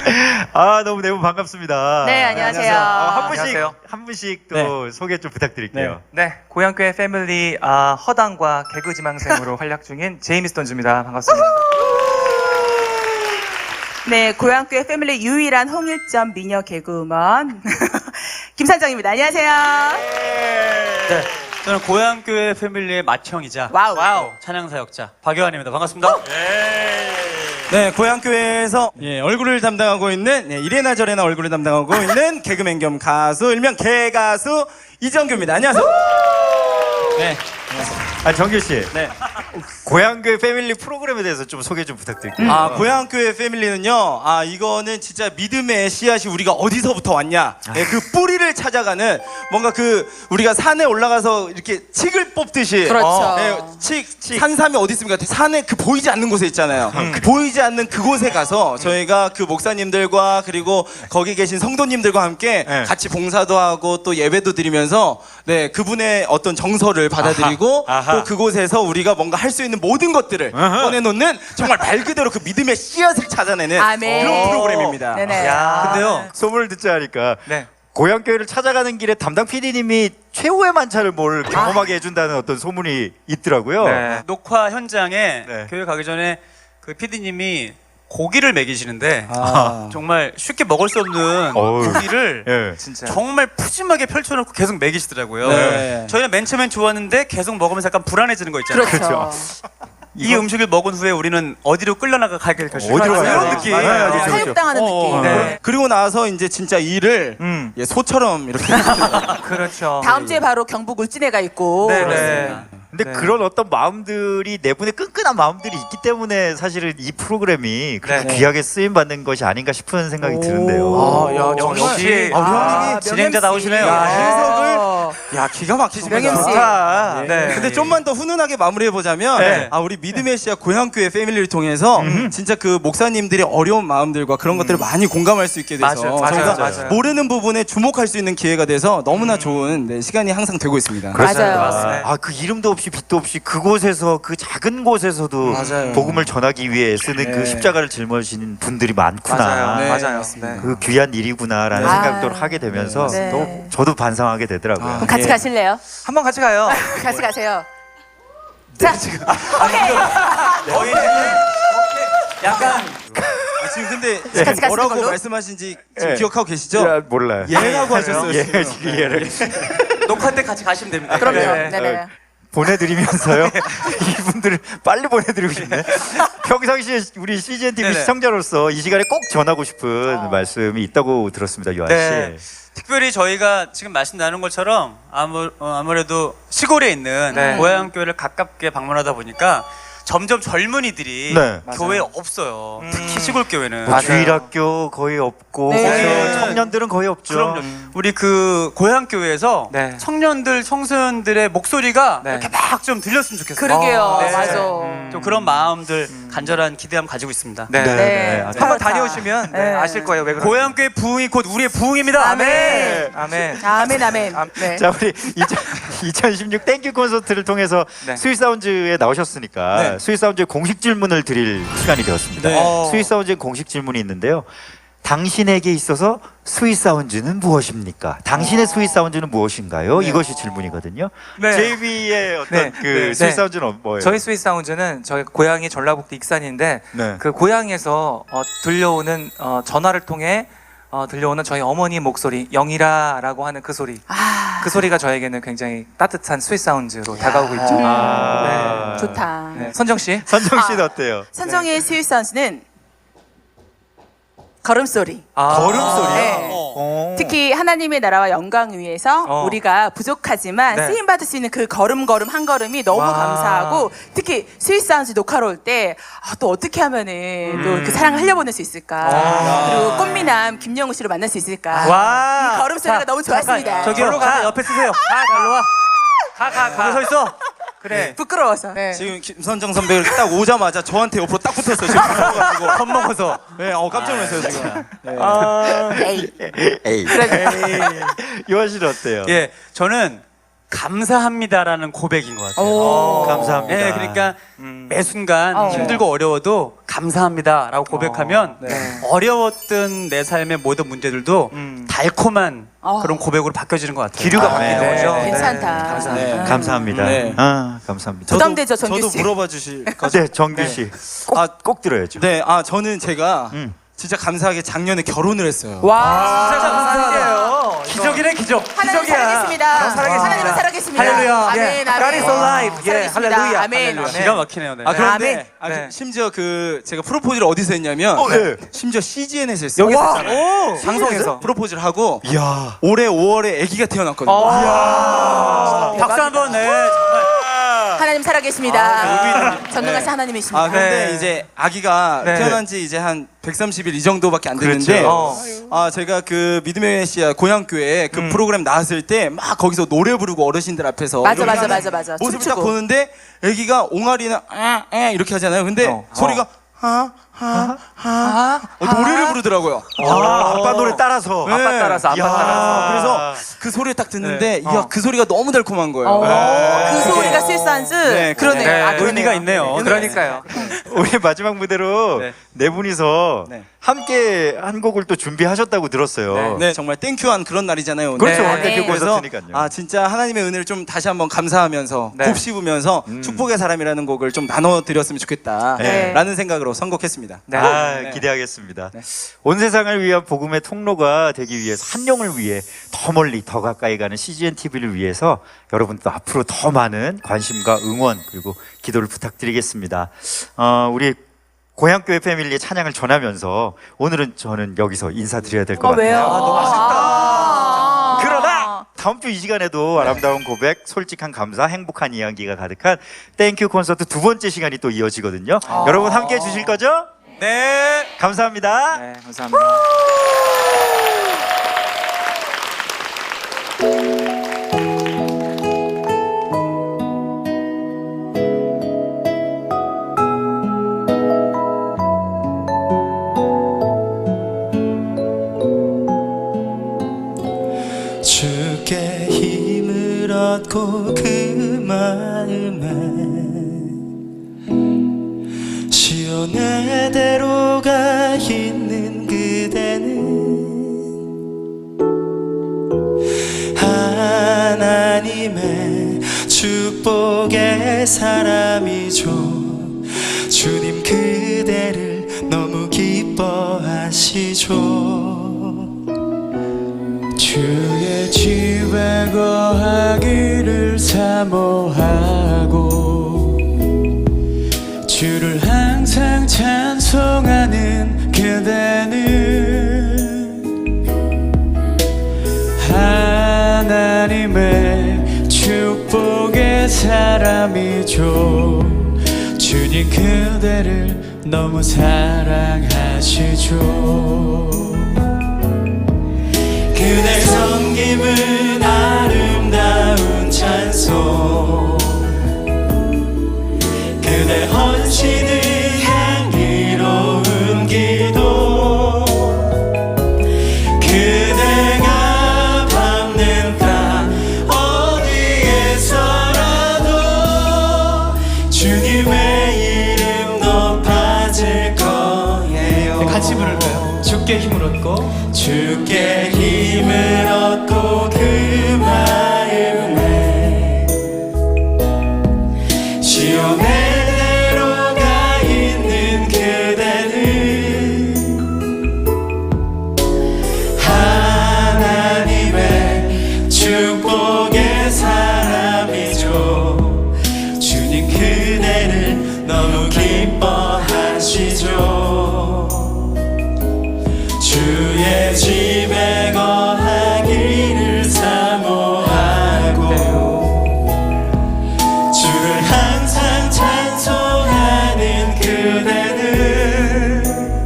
아, 너무 반갑습니다. 네, 안녕하세요. 한 분씩 또 소개 좀 부탁드릴게요. 네, 고향교회 패밀리 허당과 개그 지망생으로 활약 중인 제이미 스톤즈입니다. 반갑습니다. 네, 고향교회 패밀리 유일한 홍일점 미녀 개그우먼 김산정입니다. 안녕하세요. 네, 저는 고향교회 패밀리의 맏형이자 와우. 찬양사역자 박요한입니다. 반갑습니다. 네, 고향교회에서 얼굴을 담당하고 있는 이래나 저래나 얼굴을 담당하고 있는 개그맨 겸 가수 일명 개가수 이정규입니다. 안녕하세요. 네, 아, 정규 씨. 네. 고향교회 패밀리 프로그램에 대해서 좀 소개 좀 부탁드릴게요. 고향교회 패밀리는요, 이거는 진짜 믿음의 씨앗이 우리가 어디서부터 왔냐, 그 뿌리를 찾아가는 뭔가 우리가 산에 올라가서 이렇게 칡을 뽑듯이. 그렇죠. 산삼이 어디 있습니까? 산에 보이지 않는 곳에 있잖아요. 보이지 않는 그곳에 가서 저희가 그 목사님들과 그리고 거기 계신 성도님들과 함께 같이 봉사도 하고 또 예배도 드리면서 그분의 어떤 정서를 받아들이고 또 그곳에서 우리가 뭔가 할 수 있는 모든 것들을 꺼내놓는 정말 말 그대로 그 믿음의 씨앗을 찾아내는 그런 프로그램입니다. 네네. 근데요, 소문을 듣자 하니까 네. 고향교회를 찾아가는 길에 담당 PD님이 최후의 만찬을 뭘 경험하게 해준다는 어떤 소문이 있더라고요. 네. 녹화 현장에 네. 교회 가기 전에 그 PD님이 고기를 먹이시는데 정말 쉽게 먹을 수 없는 어우. 고기를 예. 진짜. 정말 푸짐하게 펼쳐놓고 계속 먹이시더라고요. 네. 저희는 맨 처음엔 좋았는데 계속 먹으면서 약간 불안해지는 거 있잖아요. 그렇죠. 이 음식을 먹은 후에 우리는 어디로 끌려나가게 결심을 어디로 했어요. 가야 이런 되지? 느낌. 맞아요. 그렇죠. 사육당하는 느낌. 네. 그리고 나서 이제 진짜 일을 소처럼 이렇게 그렇죠. 다음 주에 바로 경북 울진에가 있고. 네. 근데 네. 그런 어떤 마음들이 네 분의 끈끈한 마음들이 있기 때문에 사실은 이 프로그램이 그렇게 네. 귀하게 쓰임 받는 것이 아닌가 싶은 생각이 드는데요. 역시 진행자 나오시네요. 해석을 기가 막히십니다. 명MC. 네. 근데 좀만 더 훈훈하게 마무리해 보자면 네. 우리 믿음의 씨앗 고향교회 패밀리를 통해서 진짜 그 목사님들의 어려운 마음들과 그런 것들을 많이 공감할 수 있게 돼서 저희가 맞아요. 모르는 부분에 주목할 수 있는 기회가 돼서 너무나 좋은 시간이 항상 되고 있습니다. 맞아요. 아, 그 이름도 없이 빛도 없이 그곳에서 그 작은 곳에서도 맞아요. 복음을 전하기 위해 쓰는 그 네. 십자가를 짊어지는 분들이 많구나. 네, 맞아요. 맞습니다. 네. 그 귀한 일이구나라는 생각도 하게 되면서 네. 또 저도 반성하게 되더라고요. 그럼 같이 가실래요? 한번 같이 가요. 같이 가세요. 자, 오케이. 약간 지금 근데 같이 가시는 뭐라고 걸로? 말씀하신지 지금 예. 기억하고 계시죠? 야, 몰라요. 예라고 하셨어요. 예, 지금. 지금 예를 녹화 때 같이 가시면 됩니다. 그럼요. 네. 네네. 보내드리면서요. 이분들을 빨리 보내드리고 싶네. 평상시에 우리 CGN TV 네네. 시청자로서 이 시간에 꼭 전하고 싶은 말씀이 있다고 들었습니다, 요한 씨. 네. 특별히 저희가 지금 말씀 나눈 것처럼 아무래도 시골에 있는 네. 고향교회를 가깝게 방문하다 보니까 점점 젊은이들이 네. 교회에 없어요. 특히 시골 교회는. 뭐 주일학교 거의 없고 네. 거기서 청년들은 거의 없죠. 그럼요. 우리 그 고향교회에서 네. 청년들, 청소년들의 목소리가 네. 이렇게 막 좀 들렸으면 좋겠어요. 그러게요. 네. 맞아. 좀 그런 마음들 간절한 기대함 가지고 있습니다. 네. 네. 네. 한번 다녀오시면 네. 아실 거예요. 왜 그런지. 고향교회 부흥이 곧 우리의 부흥입니다. 아멘. 아멘. 아멘, 아멘. 네. 자, 우리 2016 땡큐 콘서트를 통해서 네. 스윗사운즈에 나오셨으니까 네. 스윗사운즈의 공식 질문을 드릴 시간이 되었습니다. 네. 스윗사운즈의 공식 질문이 있는데요. 당신에게 있어서 스윗사운즈는 무엇입니까? 당신의 스윗사운즈는 무엇인가요? 이것이 질문이거든요. 네. JB의 어떤 네. 그 네. 스윗사운즈는 뭐예요? 저희 스윗 사운드는 저희 고향이 전라북도 익산인데 네. 그 고향에서 들려오는 전화를 통해 들려오는 저희 어머니 목소리 영이라라고 하는 그 소리 그 소리가 저에게는 굉장히 따뜻한 스윗 사운드로 다가오고 있죠. 아. 좋다. 네. 선정 씨. 선정 씨는 어때요? 선정의 스윗 사운드는 걸음소리. 걸음소리요? 네. 어. 특히 하나님의 나라와 영광 위해서 우리가 부족하지만 네. 쓰임 받을 수 있는 그 걸음걸음 한 걸음이 너무 와. 감사하고 특히 스윗 사운드 녹화로 올 때 또 어떻게 하면은 또 그 사랑을 흘려보낼 수 있을까 그리고 꽃미남 김영우 씨를 만날 수 있을까 와. 이 걸음소리가 자, 너무 좋았습니다. 저기요, 가 옆에 쓰세요. 일로 와. 거기 서 있어. 그래. 부끄러워서. 네. 지금 김선정 선배가 딱 오자마자 저한테 옆으로 딱 붙었어요. 지금 무서워가지고 겁먹어서. 네, 깜짝 놀랐어요 지금. 네. 에이. 에이. 요한 씨는 어때요? 예, 저는 감사합니다라는 고백인 것 같아요. 감사합니다. 네, 그러니까 매 순간 어. 힘들고 어려워도 감사합니다라고 고백하면 어려웠던 내 삶의 모든 문제들도 달콤한 그런 고백으로 바뀌어지는 것 같아요. 기류가 아, 바뀌는 네. 거죠. 괜찮다. 감사합니다. 네. 감사합니다. 네. 감사합니다. 부담되죠, 정규 저도 씨. 물어봐 주실 거죠? 네, 정규 씨. 꼭 들어야죠. 네, 저는 제가 진짜 감사하게 작년에 결혼을 했어요. 와, 진짜 감사해요. 기적이네 기적. 하나님 기적이야. 살아계십니다. 살아계십니다. 하나님은 살아계십니다. 할렐루야. 아멘, 예. 아멘. God is alive. 예, 살아계십니다. 할렐루야. 아멘. 할렐루야. 기가 막히네요. 네. 그런데 네. 심지어 심지어 프로포즈를 어디서 했냐면 네. 심지어 CGN에서 했어요. 여기서 와, 오, 방송에서. 프로포즈를 하고 이야. 올해 5월에 아기가 태어났거든요. 박수 한번. 네. 정말. 하나님 살아계십니다. 전능하신 하나님이십니다. 근데 네. 이제 아기가 네. 태어난 지 이제 한 130일 이 정도밖에 안 됐는데 그렇죠. 제가 그 믿음의 메시아 고향교회 그 프로그램 나왔을 때 막 거기서 노래 부르고 어르신들 앞에서 맞아, 이렇게 맞아, 하는 맞아, 맞아. 모습을 딱 춤추고. 보는데 아기가 옹알이는 이렇게 하잖아요. 근데 소리가 노래를 부르더라고요. 아빠 노래 따라서. 네. 아빠 따라서 아빠 이야. 따라서. 그래서 그 소리를 딱 듣는데 이야 그 소리가 너무 달콤한 거예요. 그 소리가 스위스한즈? 네, 그러네요. 네. 그러네요. 의미가 있네요. 그러니까요. 우리 마지막 무대로 네 분이서 네. 함께 한 곡을 또 준비하셨다고 들었어요. 네, 정말 땡큐한 그런 날이잖아요. 오늘. 그렇죠. 네. 땡큐 그래서 콘서트니까요. 진짜 하나님의 은혜를 좀 다시 한번 감사하면서 네. 곱씹으면서 축복의 사람이라는 곡을 좀 나눠드렸으면 좋겠다라는 네. 생각으로 선곡했습니다. 네. 기대하겠습니다. 온 세상을 위한 복음의 통로가 되기 위해서 한 영을 위해 더 멀리 더 가까이 가는 CGN TV를 위해서 여러분도 앞으로 더 많은 관심과 응원 그리고 기도를 부탁드리겠습니다. 우리 고향교회 패밀리의 찬양을 전하면서 오늘은 저는 여기서 인사드려야 될 것 같아요. 왜요? 너무 아쉽다. 그러나 다음 주 이 시간에도 아름다운 고백, 솔직한 감사, 행복한 이야기가 가득한 땡큐 콘서트 두 번째 시간이 또 이어지거든요. 여러분 함께 해주실 거죠? 네. 감사합니다. 네, 감사합니다. 주께 힘을 얻고 그 마음에 시온의대로가 있는 그대는 하나님의 축복의 사람이죠. 주님 그대를 너무 기뻐하시죠. 주의 집에 거하기를 사모하고 주를 항상 찬송하는 그대는 하나님의 축복의 사람이죠. 주님 그대를 너무 사랑하시죠. 그대 섬김은 아름다운 찬송 그대 헌신은 향기로운 기도 그대가 밟는 땅 어디에서라도 주님의 이름 높아질 거예요. 같이 부를까요? 주께 힘을 얻고 주께 힘을 얻고 그 마음에 시온의대로가 있는 그대는 하나님의 축복의 사람이죠. 주님 그대를 너무 기뻐하시죠. 주의 집에 거하기를 사모하고 주를 항상 찬송하는 그대는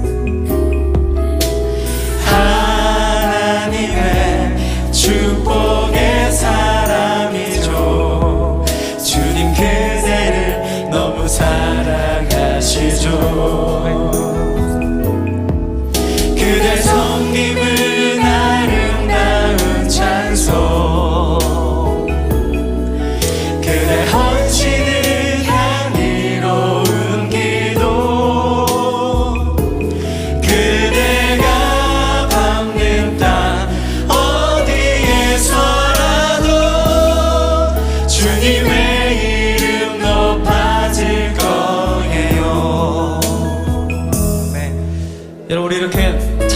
하나님의 축복의 사람이죠. 주님 그대를 너무 사랑하시죠. 그대 섬김을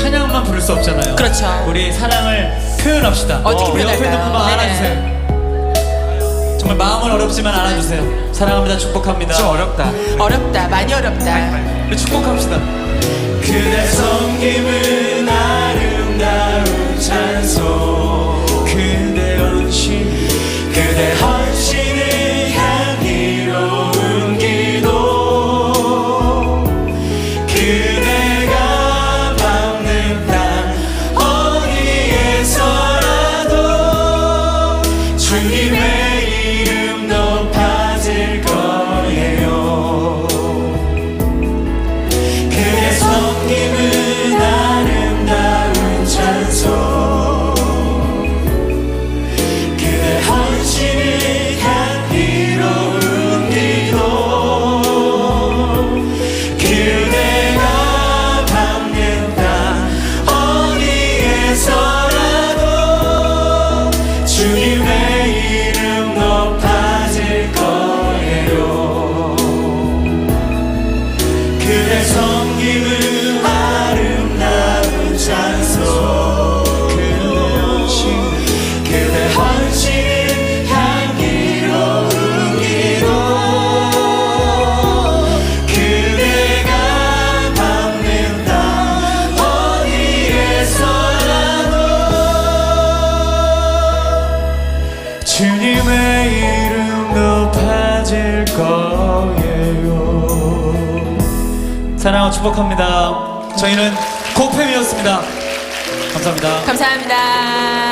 찬양만 부를 수 없잖아요. 그렇죠. 우리 사랑을 표현합시다. 어떻게 우리 옆에 표현할까요? 놓고 막 네네. 안아주세요. 정말 마음은 어렵지만 안아주세요. 사랑합니다. 축복합니다. 좀 어렵다. 어렵다. 많이 어렵다. 우리 축복합시다. 그대 섬김은 아름다운 찬송 그대 헌신 그대 헌신을 향기로운 기도 그대가 밟는 땅 어디에서라도 주님의 이름 높아질 거예요 그대 섬김은 아름다운 찬송 그대 헌신을 향기로운 기도 그대가 밟는 땅 어디에서라도 주님의 이름 높아질 거예요 그대 섬김은 아름다운 찬송 그대 헌신 향기로운 기도 그대가 밟는 땅 어디에서라도 주님의 이름 높아질 거예요 사랑하고 축복합니다. 저희는 코페미였습니다. 감사합니다. 감사합니다.